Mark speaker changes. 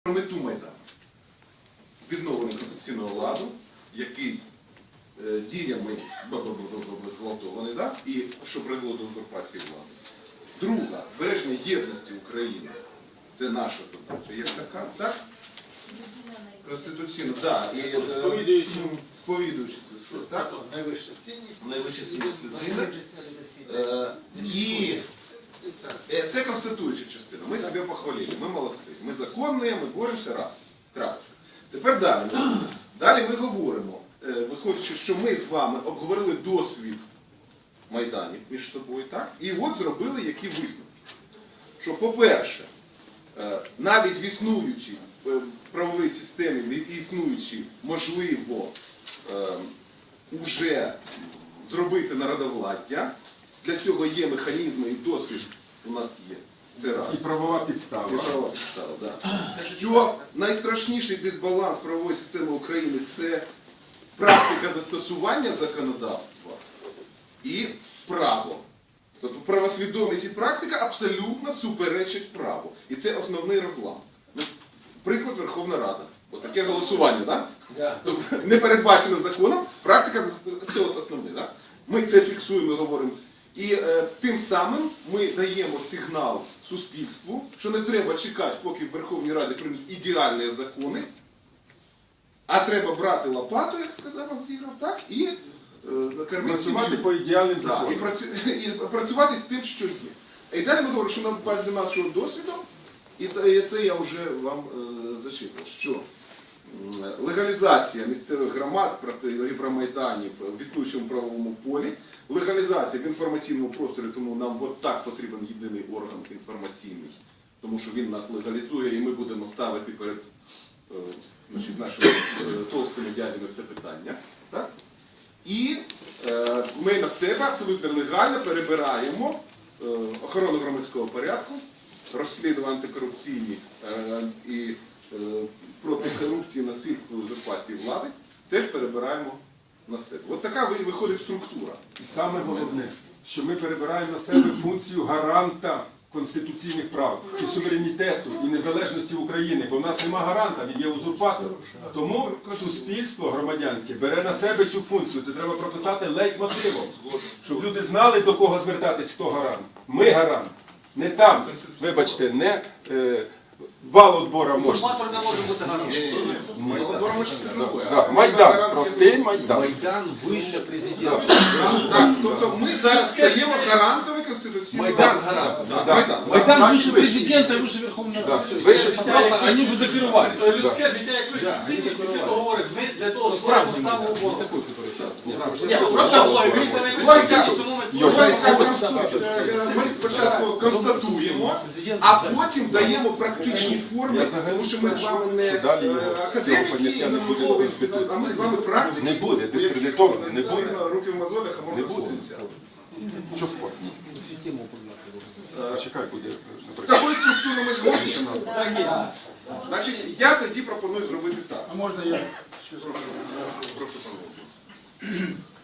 Speaker 1: мету Майдану. Відновлення конституційного ладу, який діями зґвалтований, да? І що привело до узурпації влади. Друга, збереження єдності України. Це наша задача. Як така, так? Конституційно, так. Сповідуючи це, що, так?
Speaker 2: Найвища цінність.
Speaker 1: Найвища цінність людини. І це конституюча частина. Ми себе похвалили, ми молодці. Ми законні, ми боремося раз. Крапочка. Тепер далі. Далі ми говоримо, виходячи, що ми з вами обговорили досвід Майданів між собою, так? І от зробили які висновки. Що, по-перше, навіть в існуючій правовій системі, існуючій, можливо, вже зробити народовладдя. Для цього є механізми і досвід у нас є. Це раз.
Speaker 3: І правова підстава.
Speaker 1: І правова підстава, да. Що найстрашніший дисбаланс правової системи України – це практика застосування законодавства і право. Тобто правосвідомість і практика абсолютно суперечать праву. І це основний розлам. Приклад Верховна Рада. Ось таке голосування, так? Да? Тобто не передбачено законом, практика – це от основне. Да? Ми це фіксуємо, говоримо. І тим самим ми даємо сигнал суспільству, що не треба чекати, поки в Верховній Раді приймуть ідеальні закони, а треба брати лопату, як сказав Азіров, так, і
Speaker 3: працювати по ідеальним законам.
Speaker 1: І працювати з тим, що є. І далі ми говоримо, що на базі нашого досвіду, і це я вже вам зачитав, що легалізація місцевих громад проти Євромайданів в існуючому правовому полі, легалізація в інформаційному просторі, тому нам от так потрібен єдиний орган інформаційний, тому що він нас легалізує і ми будемо ставити перед нашими толстими дядями це питання. Так? І ми на себе абсолютно легально перебираємо охорону громадського порядку, розслідування антикорупційні і проти корупції, насильства, узурпації влади, теж перебираємо на себе. От така виходить структура.
Speaker 3: І саме головне, що ми перебираємо на себе функцію гаранта конституційних прав, і суверенітету, і незалежності України, бо в нас нема гаранта, він є узурпатор. Тому суспільство громадянське бере на себе цю функцію. Це треба прописати лейтмотивом, щоб люди знали, до кого звертатись, хто гарант. Ми гарант. Не там, вибачте, не вал отбора мощності.
Speaker 2: Узурпатор не може бути гарантом.
Speaker 3: Майдан, простий Майдан.
Speaker 2: Майдан вище президента.
Speaker 1: Так, тобто ми зараз стаємо гарантами конституційного
Speaker 2: Майдан гарант.
Speaker 1: Майдан
Speaker 2: Майдан выше президента и выше Верховного Ради.
Speaker 3: Вище всіх.
Speaker 2: Они бы докерували.
Speaker 4: Людське життя як вища цінність, після того говорить, ми для того створимо самооборону.
Speaker 1: Ні, просто логіка конституції. Ми спочатку констатуємо, а потім даємо практичні форми, тому що ми з вами не академіки і не науковий інститут, а ми з вами практики.
Speaker 3: Не буде, дискредитований, не буде.
Speaker 1: Руки в мозолях, а
Speaker 3: Не
Speaker 1: можна
Speaker 3: буде.
Speaker 1: сонця.
Speaker 3: Що спорт? Чекай, буде.
Speaker 1: З такою структурою ми згодні? Значить, я тоді пропоную зробити так.
Speaker 5: А можна я?
Speaker 1: Прошу, пане.